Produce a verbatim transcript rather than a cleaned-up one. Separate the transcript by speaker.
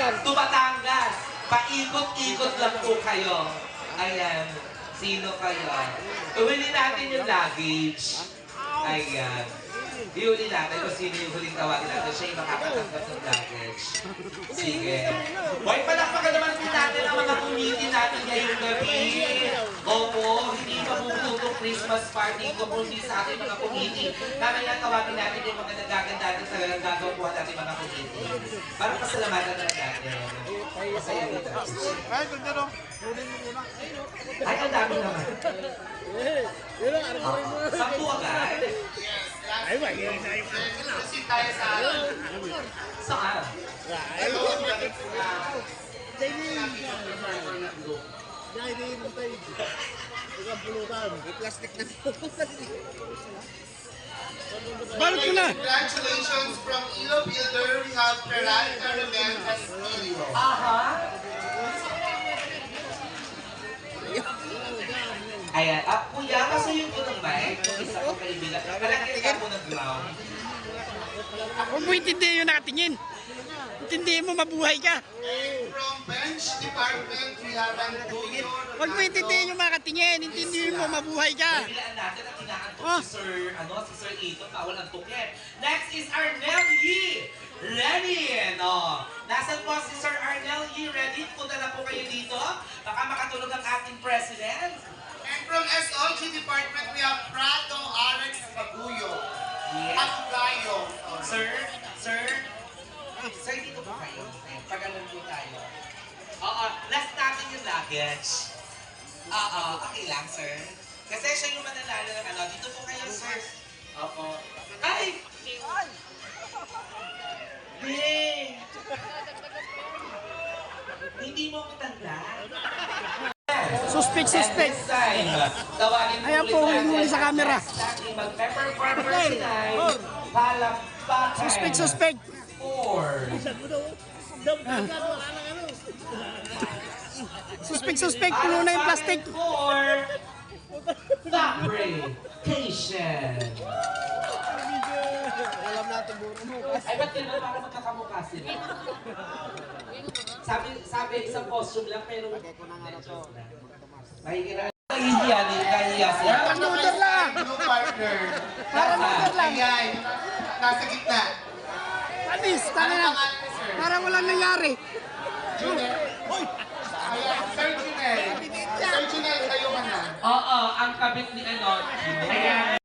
Speaker 1: to Batangas. Paikot-ikot lang po kayo. Ayan. Sino kayo? Uwili natin yung luggage. Ayan. Iuli natin kung sino yung huling tawagin natin. Siya yung makakatanggap ng luggage. Sige. Boy, palakpakan naman din natin ang mga community natin ngayong gabi. Opo, hindi mabubutong Christmas party ko kundi sa ating mga community. Mamaya tawagin natin yung mga nagaganda natin sa gagawa natin mga community. Para pasalamatan na natin. Masaya dito.
Speaker 2: Ay, ganda no?
Speaker 1: Ay, ang dami naman. Sampu agad.
Speaker 2: Ay, ba? Yan na yung
Speaker 3: Kasi tayo sa
Speaker 1: Saan?
Speaker 3: Hello,
Speaker 2: Balot ko na!
Speaker 3: Congratulations from Ilo Builder. We have Ferrari Caramel Castillo.
Speaker 1: Aha. Ayan. Ah, kuya, kasi yung unang mic, isa ko kaibigan. Palagyan ka po ng ground.
Speaker 2: Huwag mo intindihin yung nakatingin. Intindihin mo, mabuhay ka.
Speaker 3: And from Bench Department, we have Antonio.
Speaker 2: Huwag mo intindihin yung makatingin. Intindihin mo, mabuhay ka.
Speaker 1: Bilaan natin ang kinaantok
Speaker 2: Ah.
Speaker 1: si Sir, ano, si Sir Ito, bawal ang tukin. Next is Arnel Yee Lenin. Oh, nasan po si Sir Arnel Yee? Ready? Punta na po kayo dito. Baka makatulog ang ating president.
Speaker 3: And from S O G Department, we have Prado Alex Baguyo.
Speaker 1: Yes.
Speaker 3: Atugayo.
Speaker 1: Sir, sir, sir, dito po kayo. Ayan, pagalan po tayo. Oo, last natin yung luggage. Oo, okay lang, sir. Kasi siya yung mananalo ng ano. Dito po kayo, sir. Opo. Ay! Hey! Hindi mo ko tanda.
Speaker 2: Suspect, suspect.
Speaker 1: At this time, tawagin po
Speaker 2: Ayan po,
Speaker 1: ulit natin
Speaker 2: huli sa
Speaker 1: ang
Speaker 2: camera.
Speaker 1: next nating mag-pepper farmer tonight. Palakpakan.
Speaker 2: Suspect, suspect.
Speaker 1: Four.
Speaker 2: Suspect, suspect. Puno na yung plastic.
Speaker 1: Four. Fabrication. Ay, ba't ganun? Para magkakamukha sila. Sabi, sabi, isang costume lang, pero... Mahihira. Nahihiya din, nahihiya sila.
Speaker 2: Parang noodle lang.
Speaker 3: New partner.
Speaker 2: Parang noodle lang.
Speaker 3: Ayan, nasa gitna.
Speaker 2: Panis, tanga na. Parang walang nangyari.
Speaker 3: Junel. Ayan, Sir Junel. Sir Junel, kayo ka na.
Speaker 1: Oo, ang kabit ni ano. Ayan.